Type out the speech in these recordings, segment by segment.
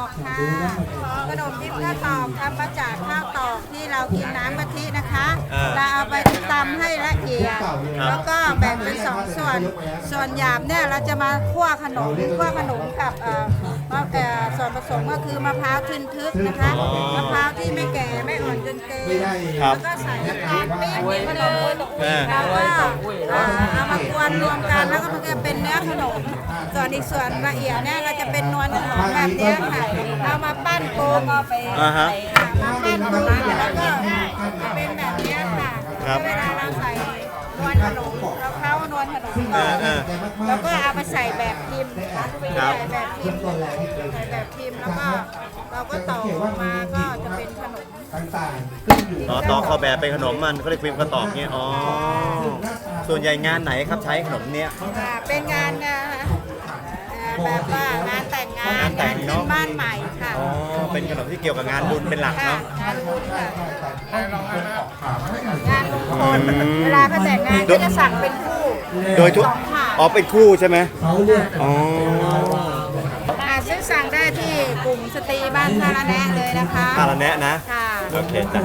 อกค่ะขนมทิพย์ข้าวตอกทำมาจากข้าวตอกที่เรากินน้ำกะทินะคะเราเอาไปตำให้ละเอียดแล้วก็แบ่งเป็นสองส่วนหยาบเนี่ยเราจะมาคั่วขนมกับส่วนผสมก็คือมะพร้าวทึนทึกนะคะมะพร้าวที่ไม่แก่ไม่อ่อนจนเกินแล้วก็ใส่น้ำตาลปี๊บนิดนึงแล้วก็เอามากวนรวมกันแล้วก็มันจะเป็นเนื้อขนมส่วนอีกส่วนละเอียดเนี่ยเราจะเป็นนวลขนมแบบนี้ค่ะเอามาปั้นโกงมาปั้นโกงแล้วก็เป็นแบบนี้ค่ะเวลาเราใส่นวลขนมเราเข้านวลขนมก่อนแล้วก็เอาไปใส่แบบพิมพ์ใส่แบบพิมพ์แล้วก็เราก็ต่อออกมาก็จะเป็นขนมต่อเข้าแบบเป็นขนมมันเขาเรียกฟิล์มกระตอกเนี่ยอ๋อส่วนใหญ่งานไหนครับใช้ขนมเนี้ยเป็นงานแบบว่างานแต่งงานขึ้นบ้านใหม่ค่ะอ๋อเป็นขนมที่เกี่ยวกับงานบุญเป็นหลักเนาะงานบุญค่ะงานมงคลเวลาเขาแต่งงานก็จะสั่งเป็นคู่โดยทุกอ๋อเป็นคู่ใช่ไหมอ๋อซื้อสั่งได้ที่กลุ่มสตรีบ้านท่าระแนะเลยนะคะท่าระแนะนะค่ะโอเคจ้ะ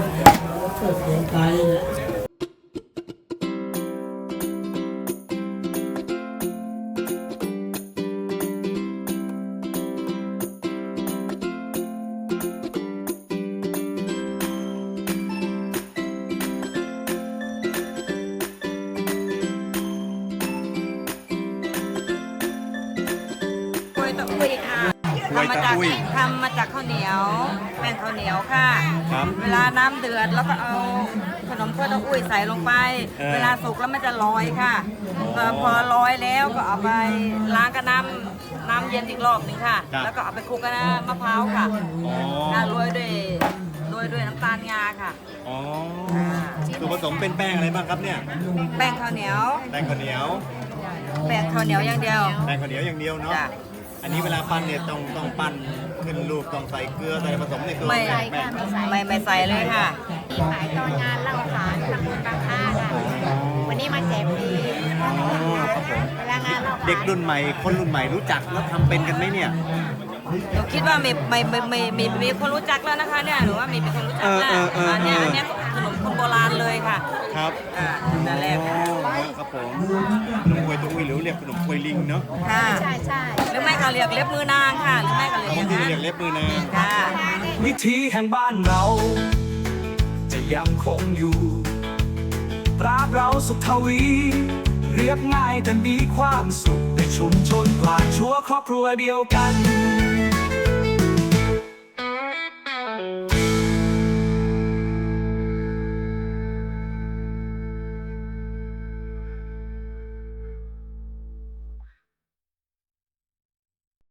ทำมาจากข้าวเหนียวแป้งข้าวเหนียวค่ะเวลาน้ำเดือดแล้วก็เอาขนมข้าวเต้าอุ้ยใส่ลงไปเวลาสุกแล้วมันจะลอยค่ะพอลอยแล้วก็เอาไปล้างกับน้ำเย็นอีกรอบนึงค่ะแล้วก็เอาไปคลุกกับมะพร้าวค่ะโรยด้วยน้ำตาลงาค่ะอ๋อส่วนผสมเป็นแป้งอะไรบ้างครับเนี่ยแป้งข้าวเหนียวอย่างเดียวแป้งข้าวเหนียวอย่างเดียวเนาะอันนี้เวลาปั้นเนี่ยต้องปั้นขึ้นรูปต้องใส่เกลือใส่ผสมในตัวไม่ใส่เลยค่ะที่ขายตอนงานเล่าขานตำบลบางท่าค่ะวันนี้มาแจกฟรีเวลางานเล่าขานเด็กรุ่นใหม่คนรุ่นใหม่รู้จักแล้วทำเป็นกันไหมเนี่ยหนูคิดว่ามีคนรู้จักแล้วนะคะเนี่ยหนูว่ามีคนรู้จักแล้วอันนี้ขนมคนโบราณเลยค่ะครับนั่นแหละครับผมขนมกล้วยตุ้ยหรือเรียกขนมกล้วยลิงเนาะค่ะใช่หรือไม่ก็เรียกเล็บมือนางค่ะหรือไม่ก็เรียกอย่างนั้นเรียกเล็บมือนางค่ะวิถีแห่งบ้านเราจะยังคงอยู่ตราบเราสุขทวีเรียบง่ายแต่มีความสุขในชุมชนกว่าชั่วครอบครัวเดียวกัน